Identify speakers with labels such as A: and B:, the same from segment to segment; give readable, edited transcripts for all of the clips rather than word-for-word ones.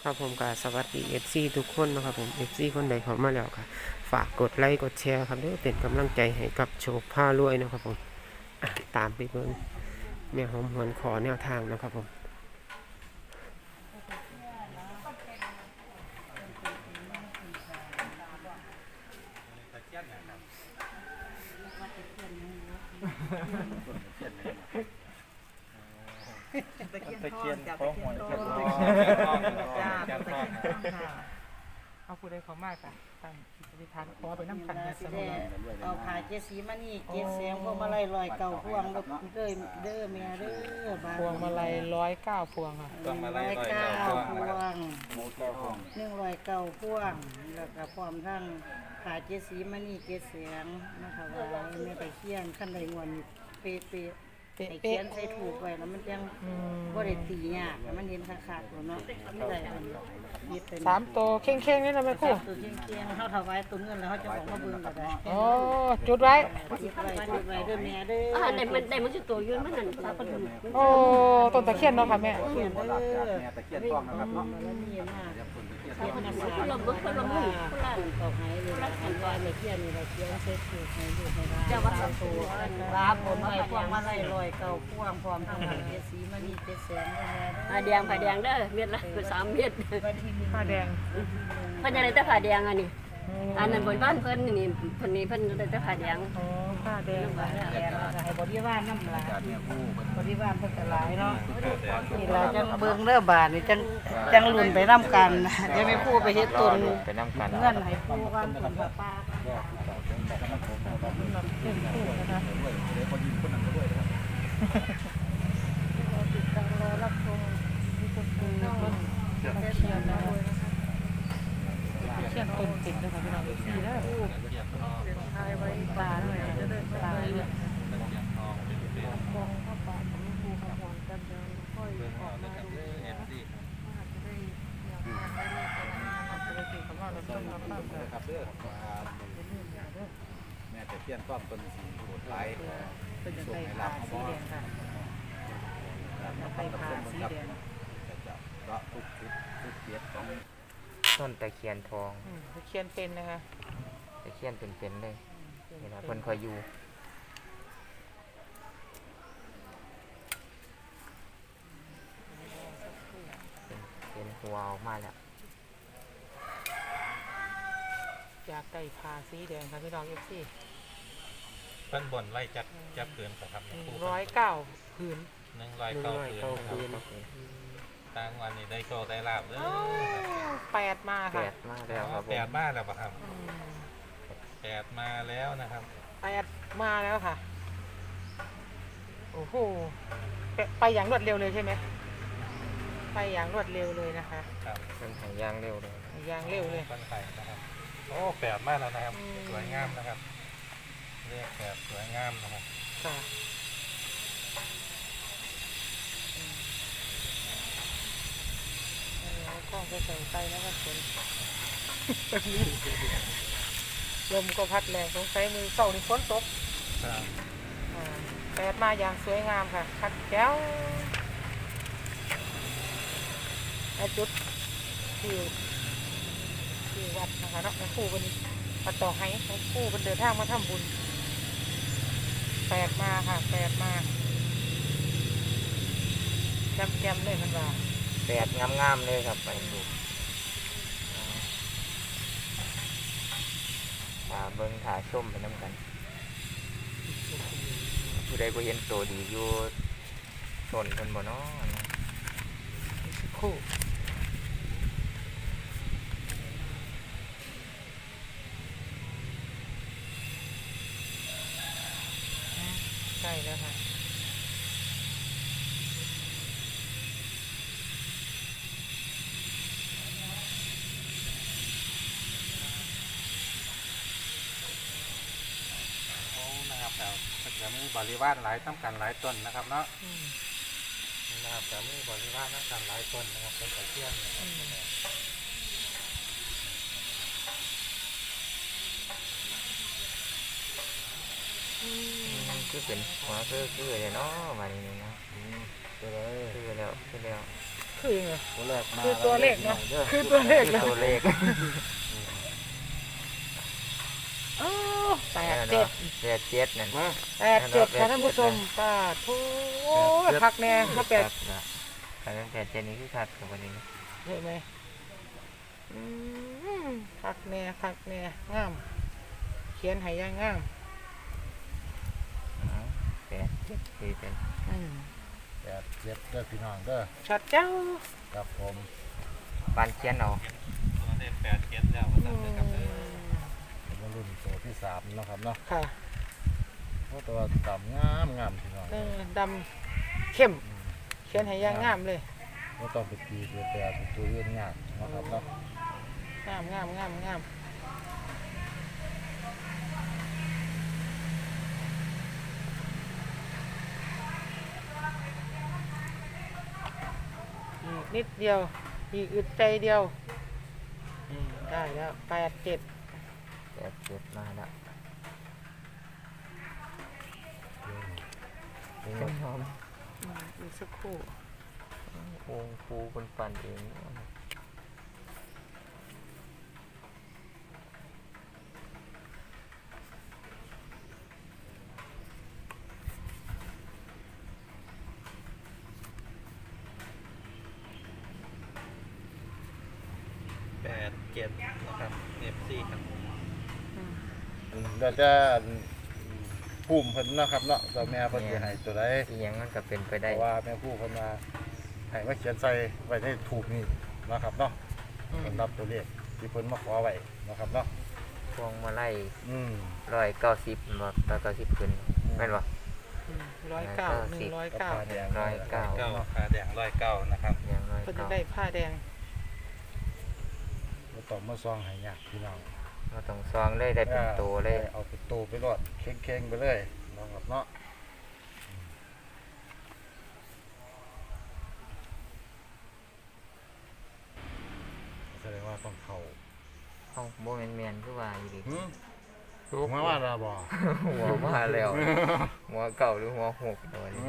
A: นะครับผมกับสวัสดี FC ทุกคนนะครับผม FC คนใดเข้ามาแล้วค่ะฝากกดไลค์กดแชร์ครับเด้อเป็นกำลังใจให้กับโชคผ้ารวยนะครับผมตามไปเบิ่งแม่หอมหวนขอแนวทางนะครับผม
B: ตะเคียนทองหอยทองจ้าตะเคียนทองค่ะเอาผู้ใดเขามากอ่ะตั้งอธิษฐานขอไปน้ำขันนะสมุนเอาผ่าเจสีมานี่เจเสียงพวงมาลัยลอยเก่าพวงเด้อแม่เด้อพวงมาลัย109พวงอ่ะพวงมาลัย109พวง109พวงแล้วก็พร้อมทั้งผ่าเจสีมานี่เจเสียงนะคะว่าแม่ตะเคียนขั้นใดงวนเป๊ะไอ้เขียนใส่ถูกไว้แล้วมันยังบ่ได้ตียากมันเห็นขาดๆเนาะไม่ได้อันนี้เป็น
C: 3ตัวเข่งๆนี่นะแม่ครู
B: ตัวเคียงๆเฮาถวายตัวเงินแล้วเฮาจะของมาเบิ่งก็ได้
C: โอ้จุดไว้
B: จุดไว้เด้อแม่เด้อ
D: ได้มันสิตัวยืนมันนั่นตาปะดุม
C: โอ้ต้นตะเคียนเนาะค่ะแม่
B: เขียนเด้อตะเคียนทองนะครับเนาะแล้วมีมากเขียนนะคนละบึกคนละมือคนละตอกให้เลยอันว่าไม่เขียนนี่เราเขียนเซ็ตถูกให้ดูให้ได้เจ้าวัดตัวลาบนไว้พวงมาลัยลอยเก่าพวงพร้อมทั้งเจสีมานี่เจแสงแม่
D: ผ้าแดงเด้อเม็ดละ3เม็ด
C: ผ้าแดง
D: เพิ่นจะได้แต่ผ้าแดงอันนี้อันนั้นบนบ้านเพิ่นนี่เพิ่นได้แต่ผ้าแดง
C: อ๋อผ้าแดง
B: ให้บริวารนำหลายบริวารเพิ่นก็หลายเนาะนี่เราจังเบิ่งเด้อบาดนี่จังลุ้นไปนำกันเดี๋ยวแม่ครูไปเฮ็ดตุน
A: ไปนํกัน
B: เงินให้ครูกันตุนป้าติดตามรอรับชม
C: เชียนต้นติดนะคะพี่น้องสีแล้วทายไว้ปลาหน่อยจะได้ปลาเนี่ยมองเข้าปลาของภูเขาหอนกันเดินค่อยออกมาดูอาจจะได้อยากทานได้เลยอาจจะได้กินคำว่าเราต้องรับบ้างเลย
E: ครับเด้อแม่จะเทียนต้อมต้นสีโหดไหล
C: เป็นจะได้ผ่าสีแดงค่ะไปผ่าสีแดง
E: ก็ทุกเกียรติของ
A: ต้นตะเคียนทอง
C: ตะเคียนเป็นนะคะ
A: ตะเคียนเป็นเลยนี่นะเพิ่นคอยอยู่เป็นหัวออกมาแล้ว
C: จากไก่ผ่าสีแดงค่ะพี่น้องFC
F: เพิ่นบ่นไล่จับเกินครับ
C: 109ผืน
F: 109ผืนต่างวันนี้ได้โชคได้ลาบเด้อ
C: 8มาค่ะ
A: 8มาแล้วครับผม
F: 8มาแล้วป่ะครับ8มาแล้วนะครับ
C: 8มาแล้วค่ะโอ้โหไปอย่างรวดเร็วเลยใช่ไหมไปอย่างรวดเร็วเลยนะคะ
F: ครับ
A: เป็นหางยางเร็วเลย
C: ยางเร็วเลย
F: ต้นไผ่นะครับโอ้8มาแล้วนะครับสวยงามนะครับเรียก8สวยงามนะครับ
C: ค่ะกล้องก็ใส่ไปแล้วก็ฝนลมก็พัดแรงสงสัยมือเสานี่ฝนตก8มาอย่างสวยงามค่ะคัดแก้วจุดที่วัดนะคะเนาะครูวันนี้มาต่อให้ครูเป็นเดินทางมาทำบุญ8มาค่ะ8มาแจมเลยมันว่า
A: 8งามๆเลยครับไปดูเบิ่งถ่ายชมไปน้ำกันผู้ใดบ่เห็นตัวดีอยู่ต้นเพิ่นบ่เนาะ
C: คู่ใช่แล้วค่ะ
F: จะมีบริวารหลายตั้งกันหลายต้นนะครับเนาะนะครับจะมีบริวารตั้งกันหลายต้นนะครับเป็นตะเคียน
A: คือเป็นหัวคือเลยเนาะมานี่นะคือแล้ว
B: คือยังไง
E: ตัวแรกมา
B: คือตัวเลขเนาะคือตัวเลขเนาะ
A: ตัวเลข
B: อ๋อ87
A: 87นั่น
B: 87ค่ะท่านผู้ชมป้าโธ่พักแน่มาแปด
A: คัน87นี่คือคักกับวันนี้
B: เห็นไหมพักแน่งามเขียนให้ย่างงาม
A: 87คือเป็น
E: 87เด้อพี่น้องเด้อ
B: ชัดเจ้า
E: ครับผม
A: ปานเขียนเอา
F: ตัวเลข87แล้วว่าซั่นเด้อครับเด้อ
E: มารุ่นตัวที่3เนาะครับเนาะ
B: ค่ะ
E: เพราะตัวต่ำงามพี่น้อง
B: ดำเข้มเขียนให้ย่างงามเลย
E: บ่ต้องไปตีตัวแปรเป็นตัวเรียนยากเนาะครับเนาะ
B: งามอีกนิดเดียวอีกอึดใจเดียวได้แล้ว87
A: 87มาแล้วหอม
B: อีกสักครู่
A: วงฟูคนปั่นเอง
F: 87นะครับ FC ครับ
E: เดี๋ยวจะภูมิเพิ่นเนาะครับเนาะตัวแม่เพิ่นสิให้ตัวใด
A: อีหยังมันก็เป็นไป
E: เพ
A: ได้
E: ราะว่าแม่ผู้เพิ่นมาให้มาเขียนใส่ไว้ในถูกนี่เนาะครับเนาะสำหรับตัวเลขที่เพิ่นมาขอไว้เนาะครับเนาะ
A: พวงมาลัย
E: อืม
A: 190บ่190ขึ้นแม่นบ่
B: 109
E: กับผ้าแดง
A: 109
F: เก้าขาแดง109นะครับ
A: อย่างน้อย
B: เพิ่นจะ
A: ก็
B: ได้ผ้าแดง
E: บ่ต้องมาซองให้ยากพี่น้อง
A: เราต้องซองเลยได้เป็นตัวเลย
E: เอาเป็นตัวไปรอดเข่งๆไปเลยเนาะครับเนาะแสดงว่าต้องเข้า
A: เอ้าบ่แม่นๆคือว่าอยู่ดิ
E: ถูกมาว่าเราบ่
A: หัวมาแล้ว หัวเก่าหรือหัวหกตัวนี้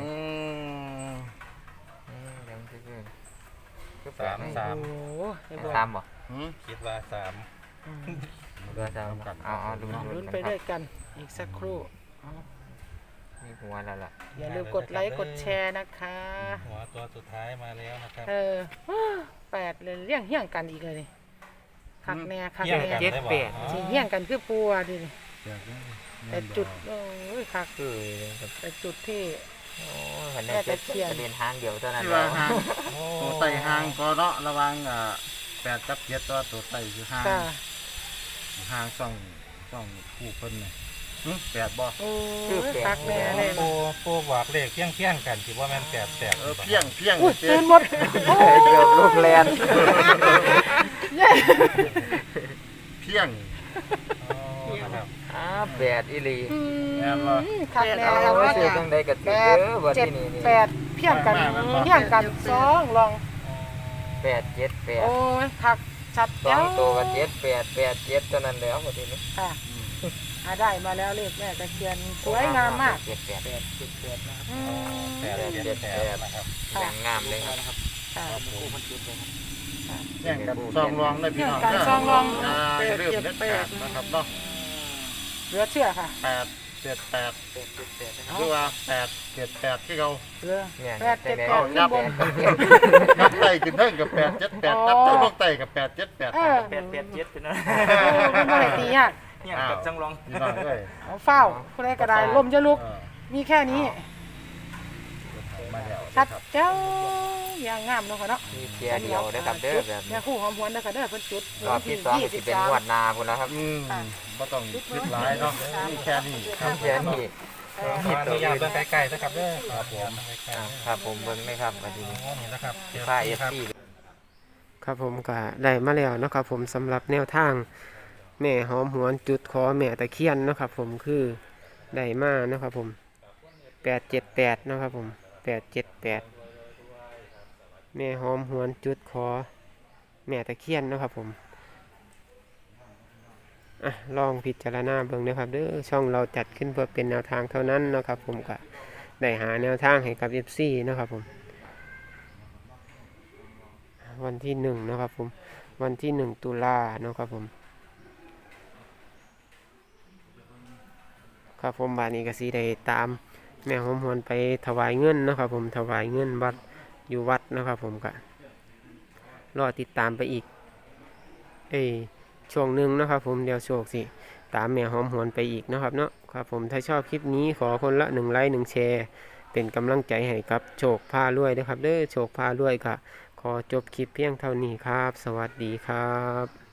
A: ยังคือคือ
B: โอ้ให้บอก
A: ตามบ่
F: คิดว่า3
A: เรือตามเอาลุ้น
B: ลุ้นไปด้วยกันอีกสักครู่
A: มีหัวแล้วล่ะ
B: อย่าลืมกดไลค์กดแชร์นะคะ
F: หัวตัวสุดท้ายมาแล้วนะครับ
B: 8เลยเลี้ยงเฮี้ยงกันอีกเลยนี่คักแน่
F: เฮี้ยงกัน
B: สิ
F: ได้บ่อ๋อ
B: เฮี้ยงกันคือปัวดิ
E: อยากได้
B: แต่จุดโอ้ยคัก
A: คือครับ
B: แต่จุดที่
A: โอ้หันได้จะเรียนทางเดียวเท่านั้น
E: ที่
A: แล้
E: ว่าว ห่างตัวไต่ห่างก็เนาะระหวัง8กับ7ตัวตัวไต่คือห่าง
B: ค่ะ
E: ห่างช่องคู่เพิ่นนี่8บ่
B: โอ้ยคักแน่เลย
F: ปูบอกเลขเพียงกันสิว่าแม่น88
E: เพียง
B: อุ้ยตื่นหมด
A: เกือบลูกแลน
E: เพียง
F: นะครับ
A: แปดอีหลี
E: แม่นบ่
B: คักแน่
A: เอา
B: เรา
A: ไว้
B: ว่า
A: ซื้อจังใดก็ถือเด้อวัน
B: 7
A: ที่นี่
B: 8เพี้ยงกันเพี้ยงกันสองลอง
A: 878
B: โอ้ยคักชัด
A: สอ
B: เจ้าง
A: ตัวก็7887เท่านั้นแล้ววันที่นี้
B: ค่ะได้มาแล้วเลขแม่ตะเคียนสวยงามมาก
A: 78
B: อืม
F: 878นะครับ
A: อย่างงามเลยครับ
B: ค่ะ
E: แย่งกันซองรองได้พี่น้อง
B: แย่งกันซองรอง
E: เริ่มเด็ดขาดนะครับเนาะ
B: เหลือเชื่อค่ะ
E: 878คือว่า878ที่เขา
B: เหลือ
A: เนี่ย
B: แปดเจ็ด
A: แต่
B: แป
A: แม่
B: ดขึ้นบน
E: นับไต่ขึ้นเทิงกับ878นับเทิงลงไต่กับ878
B: เออ
A: 887เป็นอะไร
B: คุณไม่ได้ตียาก
A: เนี่ยกับจังลอง
E: พี่น้องเอ้ย
B: เอาเฝ้าผู้ใดก็ได้ลมจะลุก มีแค่นี้
E: มาแล้ว
B: ชัดเจ้าอย่างงามเนาะค่ะเนาะ
A: มีเพียเดียวนะครับเด้อแบบ
B: แม่คู่หอมหวนเด้อค่ะเด้อเพิ่นจุด
A: รอบที่สองก็สิเป็นงวดนาพุ่นแล้วครับ
E: บ่ต้องคิดหลายเนาะมีแค่นี้ครับ
A: เพียนี่
F: ขออนุญาตเบิ่งใกล้ๆนะครับเด้อครับผม
A: ครับผมเบิ่งเลยครับวันนี้
F: นี่นะครับ
A: ผ้าเอฟซีครับผมก็ได้มาแล้วนะครับผมสำหรับแนวทางแม่หอมหวนจุดขอแม่ตะเคียนนะครับผมคือได้มานะครับผม878นะครับผม878แม่หอมหวนจุดขอแม่ตะเคียนนะครับผมลองพิจารณาเบิ่งนะครับเด้อช่องเราจัดขึ้นเพื่อเป็นแนวทางเท่านั้นนะครับผมก็ได้หาแนวทางให้กับ FC นะครับผมวันที่1นะครับผมวันที่1ตุลานะครับผมครับผมบาดนี้ก็สิได้ตามแม่หอมหวนไปถวายเงินนะครับผมถวายเงินวัดอยู่วัดนะครับผมก็รอติดตามไปอีกช่วงหนึ่งนะครับผมเดี๋ยวโชคสิตามแม่หอมหวนไปอีกนะครับเนาะครับผมถ้าชอบคลิปนี้ขอคนละ1 ไลค์ 1 แชร์เป็นกำลังใจให้กับโชคพารวยนะครับโชคพารวยก็ขอจบคลิปเพียงเท่านี้ครับสวัสดีครับ